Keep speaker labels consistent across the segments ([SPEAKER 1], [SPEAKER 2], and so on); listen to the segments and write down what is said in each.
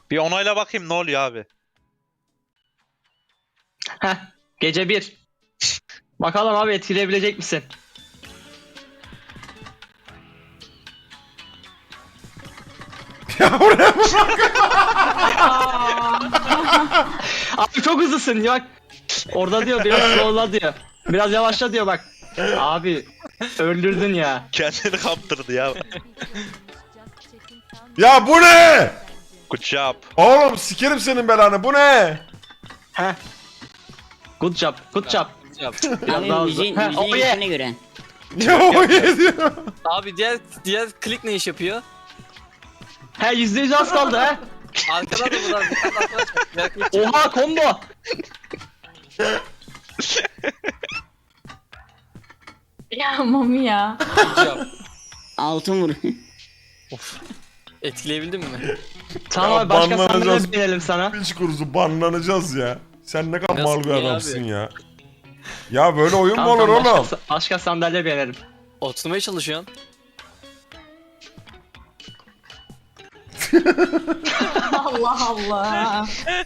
[SPEAKER 1] Bir onayla bakayım ne oluyor abi.
[SPEAKER 2] Heh. Gece 1. Bakalım abi etkileyebilecek misin?
[SPEAKER 3] Ya oraya mı?
[SPEAKER 2] Abi çok hızlısın bak. Orada diyor biraz slowla diyor. Biraz yavaşla diyor bak. Abi öldürdün ya.
[SPEAKER 1] Kendini kaptırdı ya.
[SPEAKER 3] Ya bu ne?
[SPEAKER 1] Good job.
[SPEAKER 3] Oğlum sikerim senin belanı, bu ne?
[SPEAKER 2] Heh. Good job. Good job.
[SPEAKER 4] Yap.
[SPEAKER 2] Biraz daha
[SPEAKER 5] Abi
[SPEAKER 2] hızlı.
[SPEAKER 5] müziğin
[SPEAKER 2] Heh, oh yeah.
[SPEAKER 5] müziğine göre.
[SPEAKER 3] Ya o yediyor.
[SPEAKER 4] Abi diğer klik ne iş yapıyor?
[SPEAKER 2] He %100 az kaldı he.
[SPEAKER 4] Arkadan da buradan bir tane arkadaş var. Diğer klik
[SPEAKER 2] Oha combo.
[SPEAKER 6] Ya Mami ya.
[SPEAKER 4] yapacağım.
[SPEAKER 5] Altın vur.
[SPEAKER 4] Etkileyebildin mi?
[SPEAKER 2] Tamam
[SPEAKER 3] Ya
[SPEAKER 2] abi başka
[SPEAKER 3] banlanacağız.
[SPEAKER 2] sandalye binelim sana.
[SPEAKER 3] Piç kurusu banlanacağız ya. Sen ne kadar
[SPEAKER 4] Nasıl
[SPEAKER 3] mal bir
[SPEAKER 4] ya
[SPEAKER 3] adamsın
[SPEAKER 4] abi?
[SPEAKER 3] ya. Ya böyle oyun mu
[SPEAKER 2] Tamam,
[SPEAKER 3] olur
[SPEAKER 2] tamam,
[SPEAKER 3] oğlum?
[SPEAKER 2] başka sandalye binelim.
[SPEAKER 4] Oturmaya çalışıyorsun.
[SPEAKER 6] Allah Allah.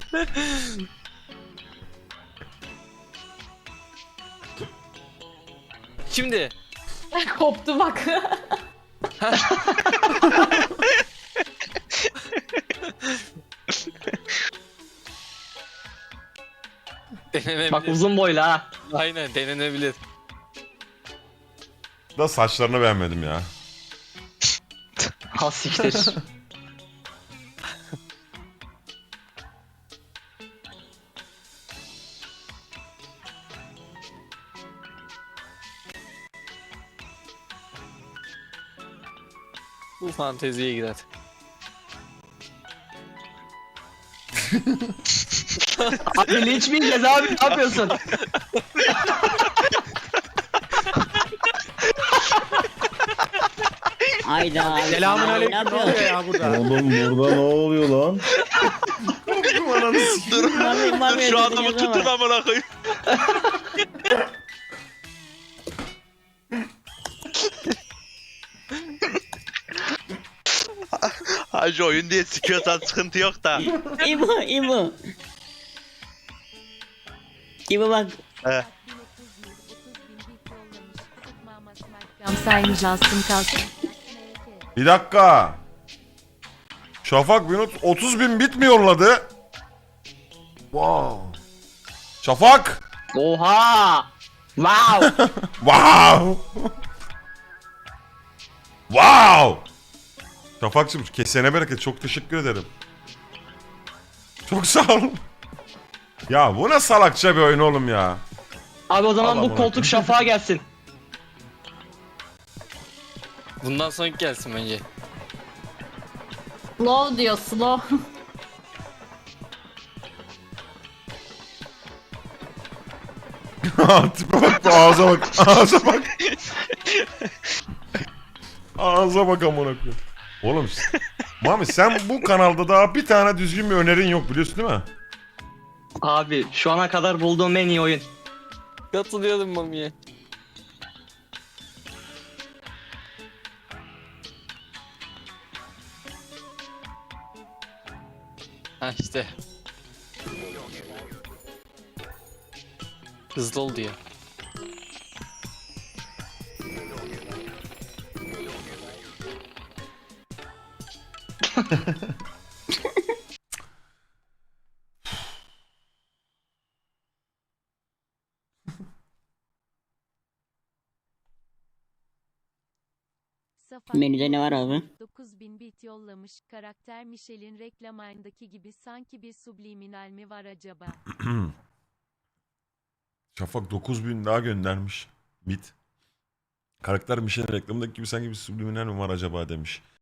[SPEAKER 4] Şimdi
[SPEAKER 6] Koptu bak.
[SPEAKER 4] denenebilir.
[SPEAKER 2] Bak uzun boylu ha.
[SPEAKER 4] Aynen denenebilir.
[SPEAKER 3] Da saçlarını beğenmedim ya.
[SPEAKER 2] Ha siktir.
[SPEAKER 4] Bu fanteziye girer.
[SPEAKER 2] Abi linç mi yiyeceğiz abi ne yapıyorsun?
[SPEAKER 5] Hayda.
[SPEAKER 7] Selamünaleyküm.
[SPEAKER 5] Ne
[SPEAKER 7] Ne oluyor
[SPEAKER 5] yapıyorsun?
[SPEAKER 7] ya burada?
[SPEAKER 8] Oğlum burada ne oluyor lan?
[SPEAKER 1] Dur.
[SPEAKER 5] Mami, Mami,
[SPEAKER 1] Şu adamı
[SPEAKER 5] öldürdün
[SPEAKER 1] tutun
[SPEAKER 5] ama.
[SPEAKER 1] amına koyayım. Hacı oyun diye sikiyorsan sıkıntı yok da.
[SPEAKER 5] İbo, İbo. İbo bak.
[SPEAKER 1] He.
[SPEAKER 9] Sayın Justin kalsın.
[SPEAKER 3] Bir dakika. Şafak 30 bin bit mi yolladı? Wow. Şafak.
[SPEAKER 2] Oha. Wow.
[SPEAKER 3] Wow. Wow. Şafak'cığım kesene bereket, çok teşekkür ederim. Çok sağ ol. Ya bu ne salakça bir oyun oğlum ya.
[SPEAKER 2] Abi o zaman
[SPEAKER 3] Allah
[SPEAKER 2] bu
[SPEAKER 3] Allah.
[SPEAKER 2] koltuk şafağa gelsin.
[SPEAKER 4] Bundan sonraki gelsin bence.
[SPEAKER 6] Slow diyor slow.
[SPEAKER 3] Tipe bak, ağza bak, ağza bak. Ağza bak amına koyayım. Oğlum Mami sen bu kanalda daha bir tane düzgün bir önerin yok biliyorsun değil mi?
[SPEAKER 2] Abi şu ana kadar bulduğum en iyi oyun.
[SPEAKER 4] Katılıyorum Mami'ye. Ha işte. Hızlı oldu ya.
[SPEAKER 5] Menüde ne var abi?
[SPEAKER 9] 9000 bit yollamış. Karakter Michelle'in reklamındaki gibi sanki bir subliminal mi var acaba?
[SPEAKER 3] Şafak 9000 daha göndermiş. Bit. Karakter Mişen reklamındaki gibi sanki bir subliminal mi var acaba demiş.